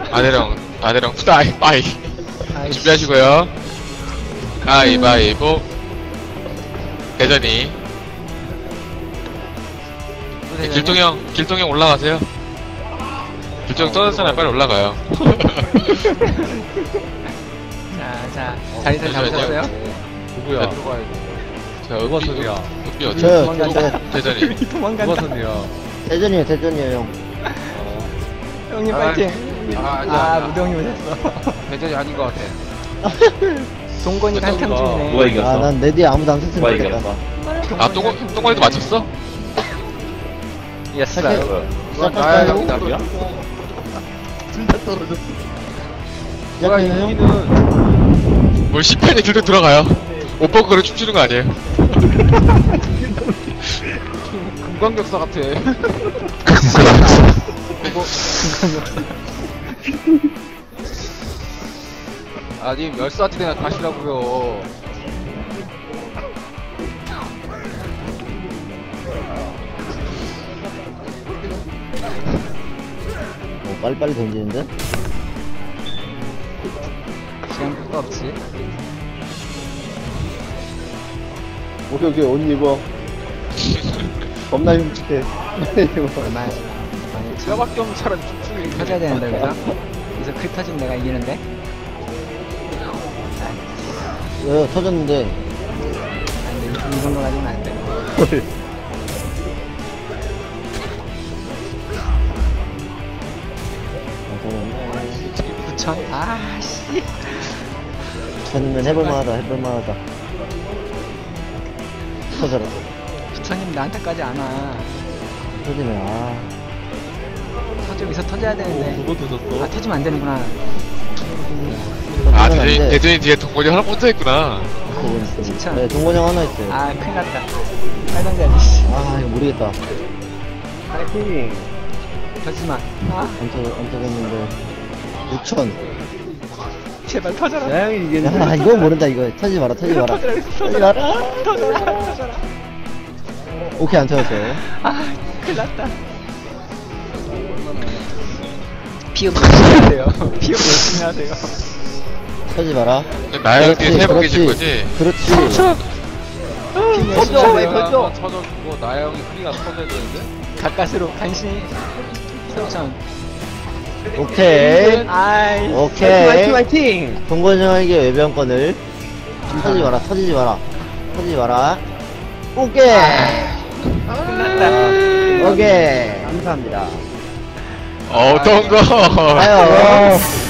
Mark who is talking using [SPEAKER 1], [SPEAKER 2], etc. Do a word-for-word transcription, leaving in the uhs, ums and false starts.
[SPEAKER 1] 아내랑 아내랑 후다이 빠이 준비하시고요. 가위바위보. 대전이. 네, 길동형 길동형 올라가세요. 길동형 떠났잖아요. 빨리 올라가요.
[SPEAKER 2] 자, 자, 자리들 잡으셨어요?
[SPEAKER 3] 누구야?
[SPEAKER 1] 자,
[SPEAKER 3] 누가
[SPEAKER 1] 은비,
[SPEAKER 3] 선이야?
[SPEAKER 1] 은비 어디?
[SPEAKER 4] 저요,
[SPEAKER 2] 도망간다.
[SPEAKER 4] 저,
[SPEAKER 1] 대전이.
[SPEAKER 3] 누가
[SPEAKER 2] 도망간다.
[SPEAKER 3] 선이야?
[SPEAKER 4] 대전이에요, 대전이에요, 형.
[SPEAKER 2] 형님
[SPEAKER 3] 아,
[SPEAKER 2] 파이팅.
[SPEAKER 3] 아, 아니야,
[SPEAKER 2] 아,
[SPEAKER 3] 아니야.
[SPEAKER 2] 무대 형님 오셨어.
[SPEAKER 3] 대전이 아닌 것 같아.
[SPEAKER 2] 동건이 한탕 중이네.
[SPEAKER 5] 누가 이겼어?
[SPEAKER 4] 아, 난 내 뒤에 아무도 안
[SPEAKER 5] 누가
[SPEAKER 4] 섰으면 좋겠다.
[SPEAKER 5] 이겼어?
[SPEAKER 1] 아, 똥, 똥거리도 맞췄어?
[SPEAKER 2] 예스.
[SPEAKER 3] 누가 나야 형이 답이야?
[SPEAKER 4] 시작해요, 형?
[SPEAKER 1] 뭘 십 편이 길도 들어가요. 오빠 그걸 춤추는 거 아니에요?
[SPEAKER 3] 금광격사 같아. 아니 멸사지대나 가시라고요.
[SPEAKER 4] 어, 빨리빨리 던지는데?
[SPEAKER 2] 시간 끝도 없지.
[SPEAKER 4] 오케이, 오케이, 옷 입어. 겁나 흉측해. 입어.
[SPEAKER 2] 얼마야?
[SPEAKER 3] 뼈밖에 없는 차라리 춤추는 게
[SPEAKER 2] 터져야 되는데, 그래서? 그래서 크 터지면 내가 이기는데?
[SPEAKER 4] 왜, 터졌는데.
[SPEAKER 2] 안 돼, 이 정도 가지면 안 돼. 구천? 아, 씨.
[SPEAKER 4] 천이면 해볼만하다, 해볼만하다. 터져라.
[SPEAKER 2] 구천이면 나한테까지 안 와.
[SPEAKER 4] 터지네, 아.
[SPEAKER 2] 터져, 여기서 터져야 되는데.
[SPEAKER 3] 누가 터졌어?
[SPEAKER 2] 아, 터지면 안 되는구나.
[SPEAKER 1] 아,
[SPEAKER 4] 터지면 안
[SPEAKER 1] 대전이,
[SPEAKER 4] 돼.
[SPEAKER 1] 대전이 뒤에 동건이 하나 혼자 있구나.
[SPEAKER 4] 그건 있어.
[SPEAKER 2] 진짜.
[SPEAKER 4] 네, 동건형 하나 있어요. 아,
[SPEAKER 2] 아, 큰일 났다. 빨간 자리, 씨.
[SPEAKER 4] 이거 모르겠다.
[SPEAKER 2] 파이팅. 터지지 마. 아,
[SPEAKER 4] 안 터, 안 터졌는데. 오천.
[SPEAKER 2] 제발 터져라.
[SPEAKER 4] 야, 이거 모른다, 이거. 터지지 마라, 터지지 마라. 터지지 마라.
[SPEAKER 2] 터져라, 터져라.
[SPEAKER 4] 오케이, 안 터졌어요.
[SPEAKER 2] 아, 큰일 났다. 피업 열심히 하세요. 피업 열심히 하세요.
[SPEAKER 4] 터지지 마라.
[SPEAKER 1] 나야 뒤에
[SPEAKER 4] 그렇지,
[SPEAKER 1] 세번 계신
[SPEAKER 4] 그렇지.
[SPEAKER 1] 거지?
[SPEAKER 4] 그렇지.
[SPEAKER 2] 피업 열심히
[SPEAKER 4] 터져, 왜
[SPEAKER 2] 하세요.
[SPEAKER 4] 터져?
[SPEAKER 3] 터져주고 나야 형이 크리가 터져야 되는데?
[SPEAKER 2] 가까스로 간신히 삼천.
[SPEAKER 4] 오케이.
[SPEAKER 2] 아이.
[SPEAKER 4] 오케이.
[SPEAKER 2] 화이팅, 화이팅.
[SPEAKER 4] 동건형에게 외병권을. 터지지 마라, 터지지 마라. 터지지 마라. 오케이.
[SPEAKER 2] 끝났다.
[SPEAKER 4] 오케이. 감사합니다.
[SPEAKER 1] 어떤 거?
[SPEAKER 4] 아유.